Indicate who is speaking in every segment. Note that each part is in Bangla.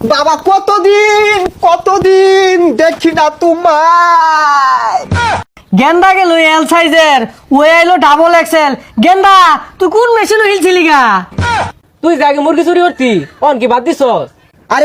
Speaker 1: বাবা কতদিন দেখি না তোমায়।
Speaker 2: গেন্দা গেল এল সাইজের, ওই আইলো ডাবল এক্সেল। গেন্দা তুই কোন মেশিন হিলছিলি গা?
Speaker 3: তুই জাগে মুরগি চুরি করতি, অন কি বাদ দিছ?
Speaker 1: আরে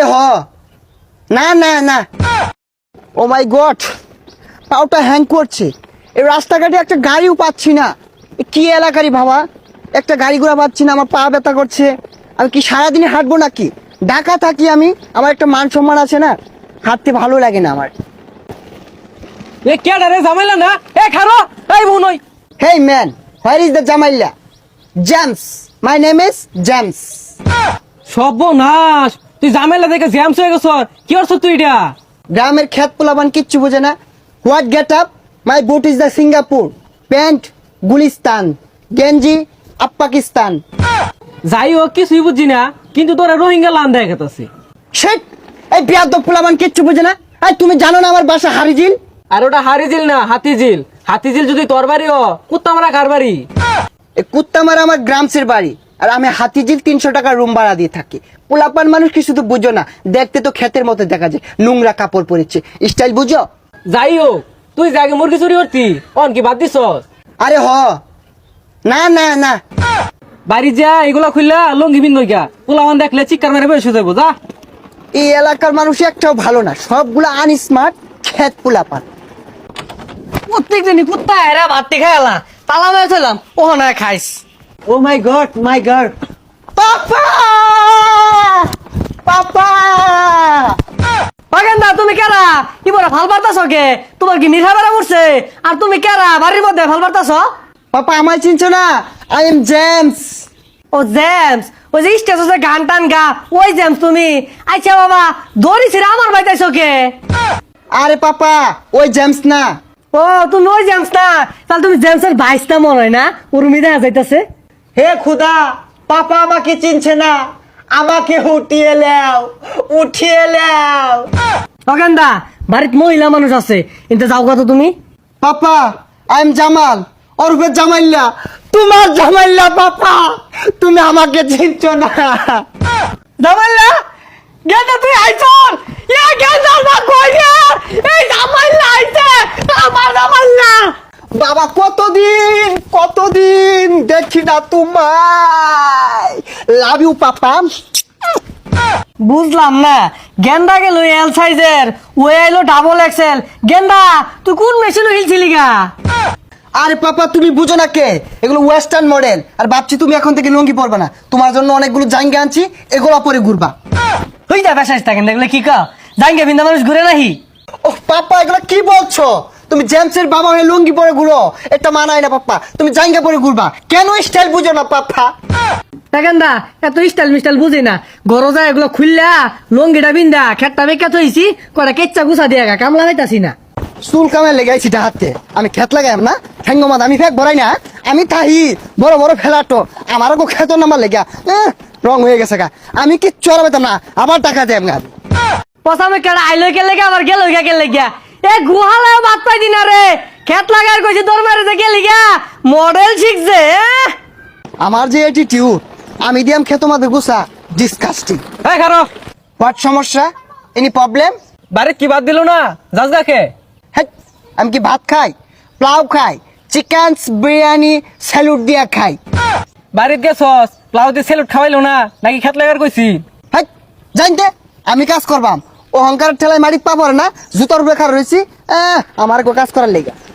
Speaker 1: না ও মাই গড, পাউটা হ্যাং করছে। এই রাস্তাঘাটে একটা গাড়িও পাচ্ছি না। এ কি এলাকারই বাবা, একটা গাড়ি ঘোড়া পাচ্ছি না, আমার পা ব্যথা করছে। আমি কি সারাদিনে হাঁটবো নাকি? ঢাকা থাকি আমি, আমার একটা মান সম্মান আছে না, হাঁটতে ভালো লাগে না আমার।
Speaker 3: এ কেডা রে জামাইলা না? এ খারো, এই বোন ওই।
Speaker 1: Hey man, where is the জামাইল্লা? James, my name is James.
Speaker 3: সর্বনাশ, তুই জামাইলা দেখে জ্যামস হয়ে গেছ। কি করছ তুই এটা?
Speaker 1: গ্রামের খেত পোলাবান কিচ্ছু বোঝে না। What get up? My boot is the Singapore, pant Gulistan, গেঞ্জি আপ পাকিস্তান।
Speaker 3: যাই হোক কিছুই বুঝছি না, কিন্তু তোরা রোহিঙ্গা লান দেখাতেছি।
Speaker 1: শেট, এই বিয়াদব পোলাবান কিচ্ছু বোঝে না। এই তুমি জানো না আমার বাসা হারিজিল?
Speaker 3: আর ওটা হারিজিল না, হাতিঝিল। হাতিঝিল যদি তোর বাড়ি ও, কুত্তা মারা কার বাড়ি?
Speaker 1: এই কুত্তামারা আমার গ্রামসের বাড়ি, আর আমি হাতিঝিল 300 টাকা রুম ভাড়া দিয়ে থাকি। পোলাপান মানুষ কি শুধু বুঝো না, দেখতে তো ক্ষেতের মতো দেখা যায়, নোংরা কাপড় পরেছে, স্টাইল বুঝো?
Speaker 3: যাই হোক, তুই জাগে মুরগি চুরি করতি, অন কি বাদ দিছ?
Speaker 1: আরে না
Speaker 3: বাড়ি যা, এগুলা খুললা লঙ্গি বিন নইকা, পোলাওয়ান দেখলে চিৎকার মেরে বেশ যাবো। যা।
Speaker 1: এই এলাকার মানুষ একটাও ভালো না, সবগুলো আনস্মার্ট ক্ষেত পোলাপান।
Speaker 2: প্রত্যেক দিনই কুত্তা এরা ভাতটি খাইলা তালা মেরেছিলাম, ও না খাইস।
Speaker 1: Oh my god, papa papa.
Speaker 2: গেন্দা তুমি কেরা? কি বলে ভাল বার্তাছ কে? তোমার কি নিশা বেড়া উঠছে? আর তুমি কেরা বাড়ির মধ্যে ভাল বার্তাছ?
Speaker 1: পাপা আমায় চিনছো না? I am James.
Speaker 2: ও জেমস, ওই যে স্টেজে গান টান গা, ওই জেমস তুমি? আচ্ছা বাবা, দড়ি ছিড়ে আমার বাইতাইছ কে?
Speaker 1: আরে পাপা, ওই জেমস না।
Speaker 2: ও তুমি ওই জেমস না? তাহলে তুমি জেমসের ভাইসটা মনে হয় না? উর্মি দেখা যাইতাছে।
Speaker 1: হে খুদা, পাপা আমাকে চিনছে না, আমাকে উঠিয়ে লেও।
Speaker 2: গেন্দা বাড়িত মহিলা মানুষ আছে, কিন্তু যাও কত তুমি?
Speaker 1: পাপা, আই এম জামাল, ওরফে জামাইল্লা, তোমার জামাইল্লা। পাপা তুমি আমাকে চিনছো না।
Speaker 2: জামাইলা, গেন্দা তুই আইছর? ইয়া গেন্দা না কই রে? এই জামাইলা আইছে, আমার জামাইলা।
Speaker 1: বাবা কতদিন দেখি না তোমায়। Love you papa.
Speaker 2: বুঝলাম না, গেন্দা গেল এল সাইজের, ওই আইলো ডাবল এক্সেল। গেন্দা তুই কোন মেশিন হিলছিলি গা?
Speaker 1: আরে পাপা তুমি বুঝো না কে, এগুলো ওয়েস্টার্ন মডেল। আর ভাবছি তুমি এখন থেকে লুঙ্গি পরবে না, তোমার জন্য অনেকগুলো জাঙ্গা আনছি, এগুলো পরে ঘুরবা।
Speaker 2: হই যা বেসাইস থাকেন দেখলে কি কা জাঙ্গে বিন্দা মানুষ ঘুরে নাহি।
Speaker 1: ও পাপা এগুলো কি বলছো? তুমি জেমসের বাবা হয়ে লুঙ্গি পরে ঘুরো, এটা মানায় না পাপা। তুমি জাঙ্গা পরে ঘুরবা, কেন স্টাইল বুঝো না পাপা?
Speaker 2: গেন্দা এত স্টাইল মিস্টাইল বুঝি না, গরজা এগুলো খুললা লঙ্গিটা বিন্দা খেটটা বেকা থইছি, কটা কেচ্চা গুছা দিয়া গা কামলা হইতাছি না।
Speaker 1: চুল কামে লেগাইছি হাতে, আমি খেত লাগাইম না, ঠ্যাঙ্গমাদ আমি ফেক ভরাই না, আমি তাহি বড় ফেলাটো আমারও খেত নামার লেগা রং হয়ে গেছে গা। আমি কি চড়াবেতাম না, আবার টাকা দেব গা।
Speaker 2: পসামে কেডা আইলো কে লেগে আবার গেল কে লেগিয়া? এ গুহালাও বাদ পাই দিনা রে, খেত লাগার কইছে তোর মারে যে গেলি গা মডেল শিখছে।
Speaker 1: আমার যে অ্যাটিটিউড, আমি দিয়াম খেত মাদের গুছা, ডিসকাস্টিং।
Speaker 3: এই খারো,
Speaker 1: হোয়াট সমস্যা? Any problem?
Speaker 3: বাড়ি কি বাদ দিল না? যাস গাকে।
Speaker 1: হ্যাঁ, আমি কি ভাত খাই, প্লাউ খাই, চিকেন বিরিয়ানি স্যালুট দিয়া খাই?
Speaker 3: বাড়িত গেছস, প্লাউতে সেলুট খাওয়াইলো না নাকি খেত লাগার কইছি?
Speaker 1: হ্যাঁ জানতে আমি কাজ করবাম, অহংকারের ঠেলায় মাটিত পাবো না, জুতোর উপরে খার রয়েছি, আমার কাজ করার লেগে।